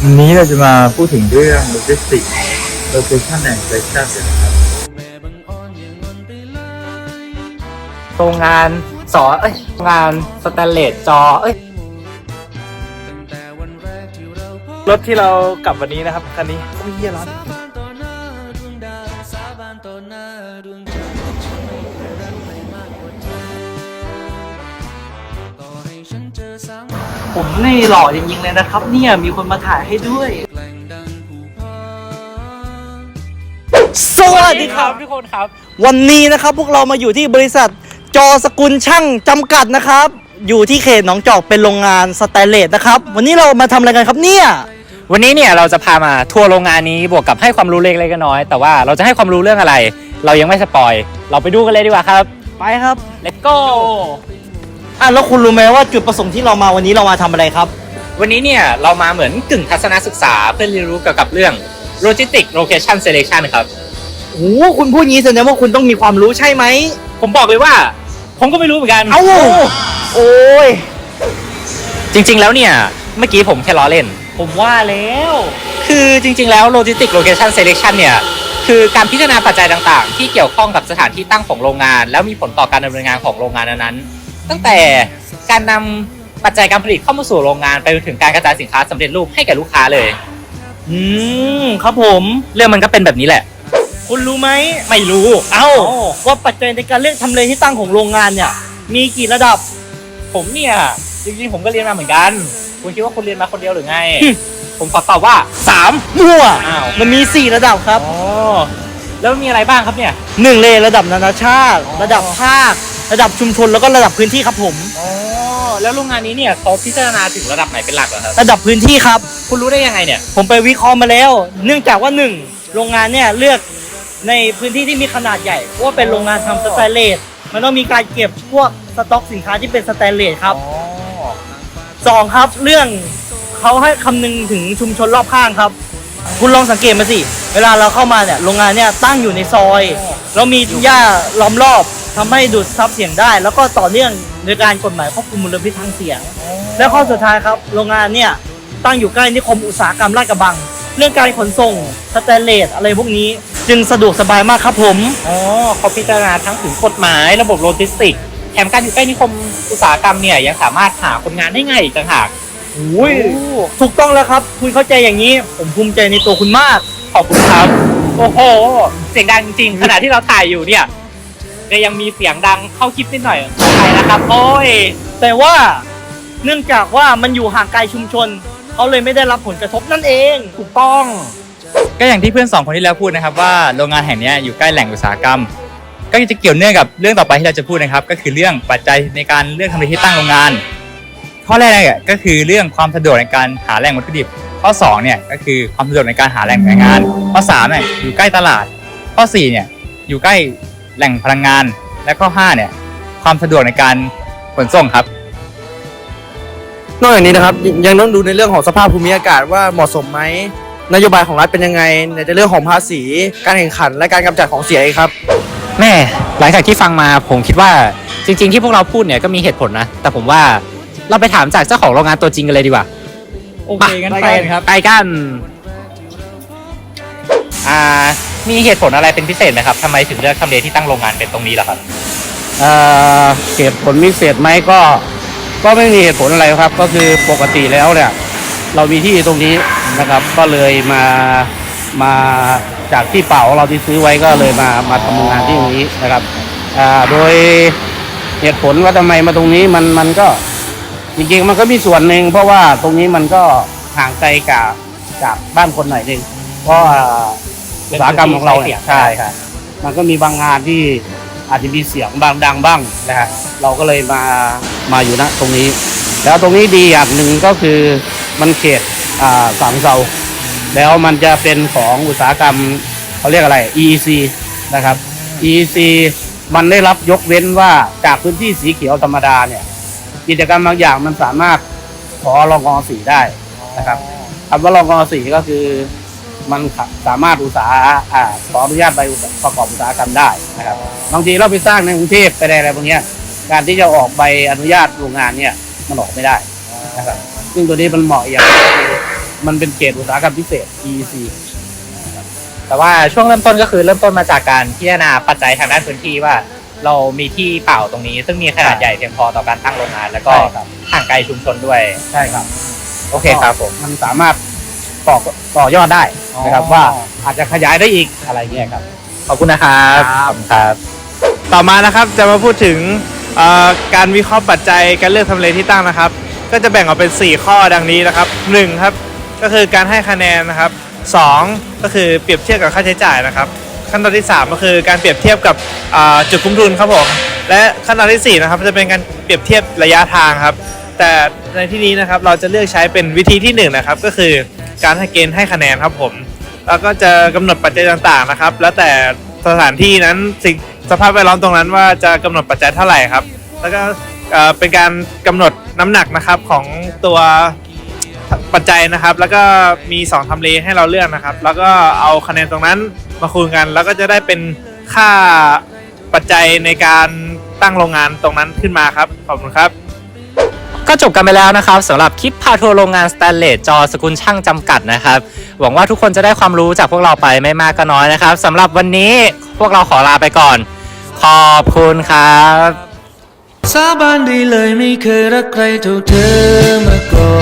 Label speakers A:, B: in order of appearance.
A: วันนี้เราจะมาพูดถึงเรื่องโลจิสติกส์โลเคชั่นแอนด์เซสชั่นกันนะครับ
B: โรงงานโรงงานสแตนเลสจอรถที่เรากลับวันนี้นะครับคันนี้โอ้ยเยี่ยร้อนผมนี่หล่อจริงๆเลยนะครับเนี่ยมีคนมาถ่ายให้ด้วย
C: สวัสดีครับทุกคนครับวันนี้นะครับพวกเรามาอยู่ที่บริษัทจอสกุลช่างจำกัดนะครับอยู่ที่เขตหนองจอกเป็นโรงงานสแตนเลสนะครับวันนี้เรามาทำอะไรกันครับเนี่ย
B: วันนี้เนี่ยเราจะพามาทัวร์โรงงานนี้บวกกับให้ความรู้เล็กๆน้อยๆแต่ว่าเราจะให้ความรู้เรื่องอะไรเรายังไม่สปอยเราไปดูกันเลยดีกว่าครับ
C: ไปครับ
B: Let's go
C: แล้วคุณรู้ไหมว่าจุดประสงค์ที่เรามาวันนี้เรามาทำอะไรครับ
B: วันนี้เนี่ยเรามาเหมือนกึ่งทัศนศึกษาเพื่อเรียนรู้เกี่ยวกับเรื่อง Logistic Location Selection ครับ
C: โอ้คุณพูดงี้แสดงว่าคุณต้องมีความรู้ใช่ไหม
B: ผมบอกเลยว่าผมก็ไม่รู้เหมือนกัน
C: โอ้ย
B: จริงๆแล้วเนี่ยเมื่อกี้ผมแค่ล้อเล่น
C: ผมว่าแล้ว
B: คือจริงๆแล้ว Logistic Location Selection เนี่ยคือการพิจารณาปัจจัยต่างๆที่เกี่ยวข้องกับสถานที่ตั้งของโรงงานแล้วมีผลต่อการดำเนินงานของโรงงานนั้นๆตั้งแต่การนำปัจจัยการผลิตเข้ามาสู่โรงงานไปจนถึงการกระจายสินค้าสำเร็จรูปให้แก่ลูกค้าเลย
C: ครับผม
B: เรื่องมันก็เป็นแบบนี้แหละ
C: คุณรู้ไหม
B: ไม่รู้
C: ว่าปัจจัยในการเลือกทำเลที่ตั้งของโรงงานเนี่ยมีกี่ระดับ
B: ผมเนี่ยจริงๆผมก็เรียนมาเหมือนกันคุณคิดว่าคุณเรียนมาคนเดียวหรือไง ผมขอตอบว่า
C: 3มั่วมันมี4ระดับครับ
B: แล้วมีอะไรบ้างครับเนี่ย
C: 1เลยระดับนานาชาติระดับภาคระดับชุมชนแล้วก็ระดับพื้นที่ครับผม
B: แล้วโรงงานนี้เนี่ยเขาพิจารณาถึงระดับไหนเป็นหลักเหรอครับ
C: ระดับพื้นที่ครับ
B: คุณรู้ได้ยังไงเนี่ย
C: ผมไปวิเคราะห์มาแล้วเนื่องจากว่า1โรงงานเนี่ยเลือกในพื้นที่ที่มีขนาดใหญ่เพราะว่าเป็นโรงงานทำสแตนเลสมันต้องมีการเก็บพวกสต็อกสินค้าที่เป็นสแตนเลสครับ2ครับเรื่องเขาให้คำนึงถึงชุมชนรอบข้างครับคุณลองสังเกตมาสิเวลาเราเข้ามาเนี่ยโรงงานเนี่ยตั้งอยู่ในซอยแล้วมีหญ้าล้อมรอบทำให้ดูดซับเสียงได้แล้วก็ต่อเนื่องในการกฎหมายควบคุมมลพิษทางเสียงและข้อสุดท้ายครับโรงงานเนี่ยตั้งอยู่ใกล้นิคมอุตสาหกรรมลาดกระบังเรื่องการขนส่งสแตนเลสอะไรพวกนี้จึงสะดวกสบายมากครับผม
B: เขาพิจารณาทั้งถึงกฎหมายระบบโลจิสติกส์แถมการอยู่ใกล้นิคมอุตสาหกรรมเนี่ยยังสามารถหาคนงานได้ง่ายอีกต่างหาก
C: ถูกต้องแล้วครับคุณเข้าใจอย่างนี้ผมภูมิใจในตัวคุณมาก
B: ขอบคุณครับโอ้โหเสียงดังจริงๆขณะที่เราถ่ายอยู่เนี่ยก็ยังมีเสียงดังเข้าคลิปนิดหน่อยขออภัยนะครับโอ้ย
C: แต่ว่าเนื่องจากว่ามันอยู่ห่างไกลชุมชนเขาเลยไม่ได้รับผลกระทบนั่นเอง
B: ถูกต้องก็อย่างที่เพื่อน2คนที่แล้วพูดนะครับว่าโรงงานแห่งนี้อยู่ใกล้แหล่งอุตสาหกรรมก็จะเกี่ยวเนื่องกับเรื่องต่อไปที่เราจะพูดนะครับก็คือเรื่องปัจจัยในการเลือกทำเลที่ตั้งโรงงานข้อแรกเนี่ยก็คือเรื่องความสะดวกในการหาแหล่งวัตถุดิบข้อ2เนี่ยก็คือความสะดวกในการหาแหล่งแรงงานข้อ3เนี่ยอยู่ใกล้ตลาดข้อ4เนี่ยอยู่ใกล้แหล่งพลังงานและข้อ5เนี่ยความสะดวกในการขนส่งครับ
D: นอกจากนี้นะครับยังต้องดูในเรื่องของสภาพภูมิอากาศว่าเหมาะสมไหมนโยบายของรัฐเป็นยังไงในเรื่องของภาษีการแข่งขันและการกำจัดของเสียครับ
B: แม่หลังจากที่ฟังมาผมคิดว่าจริงๆที่พวกเราพูดเนี่ยก็มีเหตุผลนะแต่ผมว่าเราไปถามจากเจ้าของโรงงานตัวจริงกันเลยดีกว่า
C: โอเคงั้นไปครับ
B: ไปกันมีเหตุผลอะไรเป็นพิเศษไหมครับทำไมถึงเลือกทำเลที่ตั้งโรงงานเป็นตรงนี้ล่ะครับ
D: เหตุผลพิเศษไหมก็ไม่มีเหตุผลอะไรครับก็คือปกติแล้วเนี่ยเรามีที่ตรงนี้นะครับก็เลยมาจากที่เปล่าเราที่ซื้อไว้ก็เลยมาทำงานที่ตรงนี้นะครับโดยเหตุผลว่าทำไมมาตรงนี้มันก็จริงๆมันก็มีส่วนหนึ่งเพราะว่าตรงนี้มันก็ห่างไกลจากบ้านคนหน่อยนึงเพราะอุตสาหกรรมของเราเนี่ยใช่ครับมันก็มีบางงานที่อาจจะมีเสียงบางดังบ้างนะฮะเราก็เลยมาอยู่ณตรงนี้แล้วตรงนี้ดีอย่างหนึ่งก็คือมันเขตสังเซาแล้วมันจะเป็นของอุตสาหกรรมเขาเรียกอะไร EEC นะครับ EEC มันได้รับยกเว้นว่าจากพื้นที่สีเขียวธรรมดาเนี่ยกิจกรรมบางอย่างมันสามารถขอรอง.4ได้นะครับคำว่ารอง.4ก็คือมันสามารถขออนุญาตใบประกอบอุตสาหกรรมได้นะครับบางทีเราไปสร้างในกรุงเทพไปอะไรพวกนี้การที่จะออกใบอนุญาตโรงงานเนี่ยมันออกไม่ได้นะครับซึ่งตัวนี้มันเหมาะอย่างมันเป็นเขตอุตสาหกรรมพิเศษ EEC
B: แต่ว่าช่วงเริ่มต้นก็คือเริ่มต้นมาจากการพิจารณาปัจจัยทางด้านพื้นที่ว่า เรามีที่เปล่าตรงนี้ ซึ่งมีขนาดใหญ่เพียงพอต่อการตั้งโรงงาน แล้วก็
D: ใช่ครับ
B: ห่างไกลชุมชนด้วย
D: ใช่ครับ
B: โอเคครับผม
D: มันสามารถต่อยอดได้นะครับ
B: อ๋อ
D: ว่าอาจจะขยายได้อีกอะไรเงี้ยครับ
B: ขอบคุณนะครับ
D: ครับ
B: ขอบคุณครับ
E: ต่อมานะครับจะมาพูดถึงการวิเคราะห์ปัจจัยการเลือกทำเลที่ตั้งนะครับ ก็จะแบ่งออกเป็น 4 ข้อดังนี้นะครับ1ครับก็คือการให้คะแนนนะครับ2ก็คือเปรียบเทียบกับค่าใช้จ่ายนะครับขั้นตอนที่ 3 ก็คือการเปรียบเทียบกับจุดคุ้มทุนครับผมและขั้นตอนที่ 4นะครับจะเป็นการเปรียบเทียบระยะทางครับแต่ในที่นี้นะครับเราจะเลือกใช้เป็นวิธีที่1นะครับก็คือการให้เกณฑ์ให้คะแนนครับผมแล้วก็จะกำหนดปัจจัยต่างๆนะครับแล้วแต่สถานที่นั้นสภาพแวดล้อมตรงนั้นว่าจะกำหนดปัจจัยเท่าไหร่ครับแล้วก็เป็นการกำหนดน้ำหนักนะครับของตัวปัจจัยนะครับแล้วก็มี2ทำเลให้เราเลือกนะครับแล้วก็เอาคะแนนตรงนั้นมาคูณกันแล้วก็จะได้เป็นค่าปัจจัยในการตั้งโรงงานตรงนั้นขึ้นมาครับขอบคุณครับ
B: ก็จบกันไปแล้วนะครับสำหรับคลิปพาทัวร์โรงงานสแตนเลสจอสกุลช่างจำกัดนะครับหวังว่าทุกคนจะได้ความรู้จากพวกเราไปไม่มากก็น้อยนะครับสำหรับวันนี้พวกเราขอลาไปก่อน ขอบคุณครับ
F: สาบานได้เลยไม่เคยรักใครเท่าเธอมาก่อน